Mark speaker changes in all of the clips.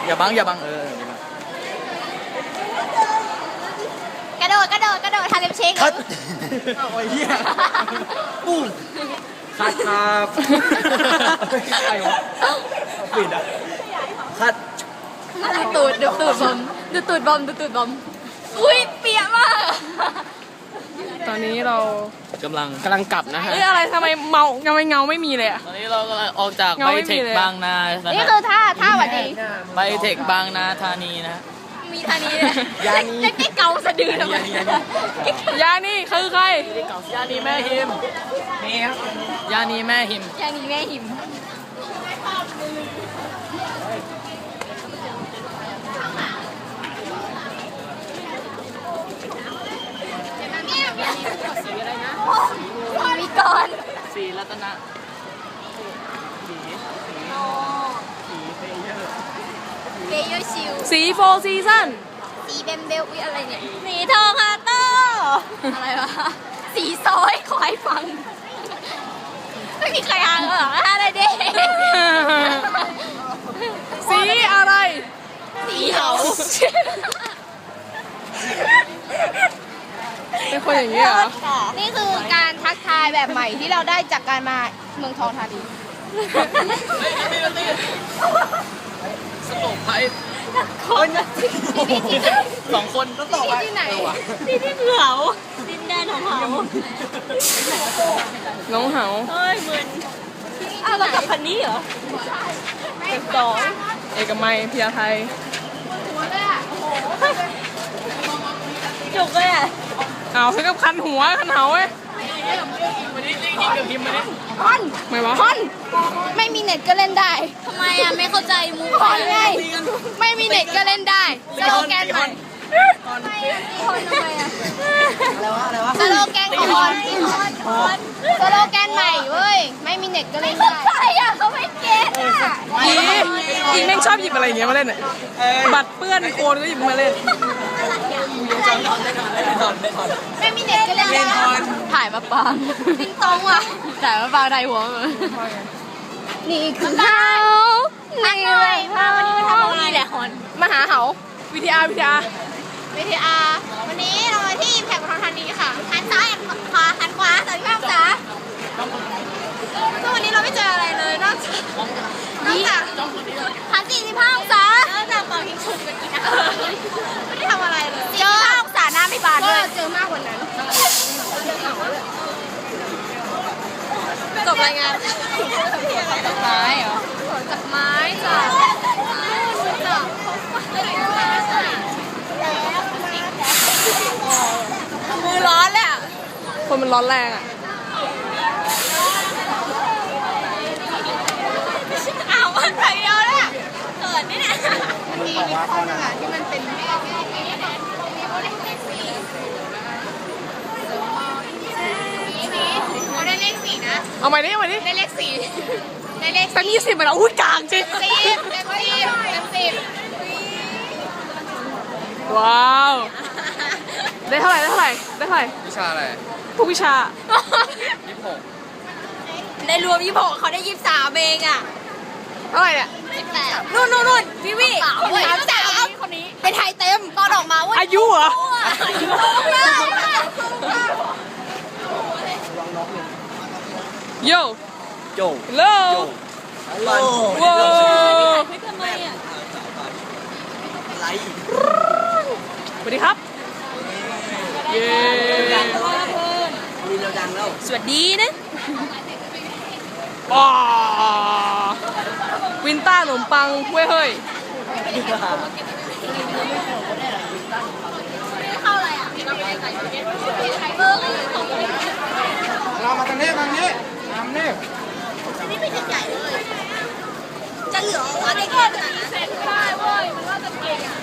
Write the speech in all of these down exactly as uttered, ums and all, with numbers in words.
Speaker 1: อย่าบังอย่าบังเออก
Speaker 2: ระโดดกระโดดกระโดดทำเป็นเชง
Speaker 1: คัดโอ้ยเหี้ยปุ้งคัดครับใครวะปิดอ่ะคัด
Speaker 2: ดูตูดดูตูดบอมดูตูดบอมดูตูดบอมอุ้ยเปียกมาก
Speaker 3: ตอนนี้เรา
Speaker 1: กำลัง
Speaker 3: กำลังกลับนะฮะเอ้ยอะไรทำไมเมาทำไมเงาไม่มีเลยอะ
Speaker 1: ตอนนี้เรากำลังออกจาก
Speaker 3: เงา
Speaker 1: ไบ
Speaker 3: ไม่
Speaker 1: เท
Speaker 3: มี
Speaker 1: ค
Speaker 3: เลย
Speaker 1: บางนานะ
Speaker 2: นี่คือท่าท่าหวัดดี
Speaker 1: ไบเทคบางนาธานีนะ
Speaker 2: มีท่านี้เลยยานีเล็กๆเกาสะดือทำไม
Speaker 3: ยานี่คือใคร
Speaker 1: ยานีแม่หิมยานีแม่หิม
Speaker 2: ยานีแม่หิมมีก่อน
Speaker 1: สีรัตนะ
Speaker 2: เบยชิว
Speaker 3: สีโฟซีซั่น
Speaker 2: สีเบมเบลอุ๊ยอะไรเนี่ยสีทองฮาโต้อะไรวะสีซอยขอให้ฟังไม่มีใครอ่านเหรออะไรเด้
Speaker 3: สีอะไร
Speaker 2: สีเหา
Speaker 3: เป็นคนอย่างนี้เหรอ
Speaker 2: นี่คือการทักทายแบบใหม่ที่เราได้จากการมาเมืองทองธานี
Speaker 1: สโตกไพคนสองคนต้องต่อไป
Speaker 2: ที่ไหน
Speaker 4: ที่ที่เหงาดินแดนของเขา
Speaker 3: น้องเหา
Speaker 4: เฮ้ยเหมือนอ้าวเรากลับคันนี้เหรอเป็นสอง
Speaker 3: เอกมัยพิยาไทย
Speaker 4: จุกเลยอ่ะ
Speaker 3: เอาซื้อกับคันหัวคันเหาเว้ย
Speaker 1: วันนี้ลิงยิงกับพิมพ์มาดิ
Speaker 2: คอน
Speaker 3: ไม่วะ
Speaker 2: คอนไม่มีเน็ตก็เล่นได้
Speaker 4: ทำไมอ่ะไม่เข้าใจมู
Speaker 2: คอนไงไม่มีเน็ตก็เล่นได้สโลแกนใหม่คอนทำไมอ่ะสโลแกนของคอนคอนสโลแกนใหม่เว้ยไม่มีเน็ตก็เล่นได้ใช่อ่ะเขาไม่เก็ตอ่ะ
Speaker 3: อีอีแม่งชอบหยิบอะไรอย่างเงี้ยมาเล่นอ่ะบัตรเปื้อนโคนก็หยิบมาเล่น
Speaker 2: ไม่มีเน็ตก็เล่นได้ถ่ายมาปังติงตองว่ะถ่ายมาปังไทยหัวมือนี่คือเขานี่เลยพาวันนี้มาทำอะไร
Speaker 4: นี่แหละฮอน
Speaker 3: มาหาเหาวิทยาวิทยา
Speaker 2: วิทยาวันนี้เรามาที่แพร่ปทุมธานีค่ะหันซ้ายหันขวาหันขวาสวัสดีครับจ๋าซึ่งวันนี้เราไม่เจออะไรเลยนอกจากนอกจากหันสี่สิบห้าองศานอกจากเป่ายิงฉุบกันกินอาหารไม่ได้ทำอะไรเลยเจอห้าองศาหน้าไม่บานด้วยเจอมากกว่านั้นจบรายงานจากไม้เหรอจากไม้จ้ะมือร้อนเลยอ่ะ
Speaker 3: คนมันร้อนแรงอ่ะ
Speaker 2: อ้าวมันไปเดียวเลยอ่ะเกิดนี่เนี่ยมันมีวิเคราะห์หนึ่งอ่ะที่มันเป็นเลขสี่เราได้เลขสี่นะ
Speaker 3: เอาใหม่ดิเอาใหม่ดิ
Speaker 2: ได้เลขสี่ได้เลข
Speaker 3: สักยี่สิบมาแล้วอุ้ยกลางจริง
Speaker 2: สิบเต็มสิบเต็มสิบ
Speaker 3: ว้าว ได้เท่าไหร่ได้เท่าไหร่ได้เท่าไหร่
Speaker 1: วิชาอะไร
Speaker 3: ทุกวิชา
Speaker 1: ยี่สิบหก
Speaker 4: ในรวมยี่หกเขาได้ยี่สิบสามเองอ่ะ
Speaker 3: เท่าไหร่เนี่ย
Speaker 2: สิบแปด
Speaker 4: นู่นนู่นนู่นพี่วิ
Speaker 2: สามสามคนนี้เป็นไทยเต็มตอนออกมาว่า
Speaker 3: อายุเหรอ โย
Speaker 1: โจ
Speaker 3: ฮัลโหล
Speaker 1: ฮัลโหล
Speaker 3: ว้าว
Speaker 4: ไม่ทำไมอ่ะ
Speaker 1: ไลท์
Speaker 3: สวัสดีครับ เย้
Speaker 1: มีเราดังแล้ว
Speaker 4: สวัสดีนะ
Speaker 3: ว้าวินต้าขนมปังเว้ยเฮ้ย
Speaker 2: เข้าอะไรอ่ะเออ
Speaker 1: เรามาทางนี้ทางนี้ทางนี้
Speaker 2: นี่ไม่ใช่ใหญ่เลยจะเหลือว่าได้แค่ไหนเสร็จได้เว้ยมันว่าจะเก่งอ่ะ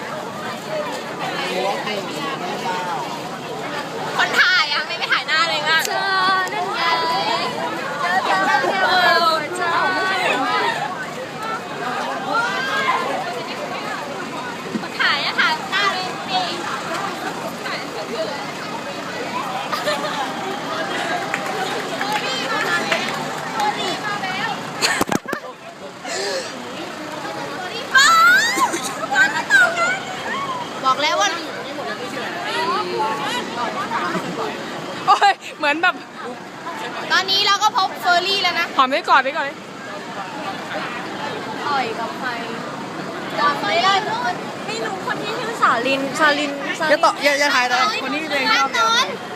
Speaker 2: คนถ่ายอ่ะไม่ไปถ่ายหน้าเลยว่ะเจอนั่นไงเจอเจอเจอเจอคนถ่ายอะถ่ายหน้าเลยนี่ถ่ายคืออะไรมาแล้ว
Speaker 3: มือนแบบ
Speaker 2: ตอนนี้เราก็พบเฟอร์รี่แล้วนะ
Speaker 3: หอมได้ก่อนได้ก่อนเลย
Speaker 4: ต่อยกับใครจำไม่ได้ไม่รู้คนที่ชื่อสาลินสาลินสา
Speaker 1: อ
Speaker 4: ลิ
Speaker 1: ย่าต่ออย่าอย่าถ่ายนะคนนี้ตัวเองชอบ
Speaker 2: ตอน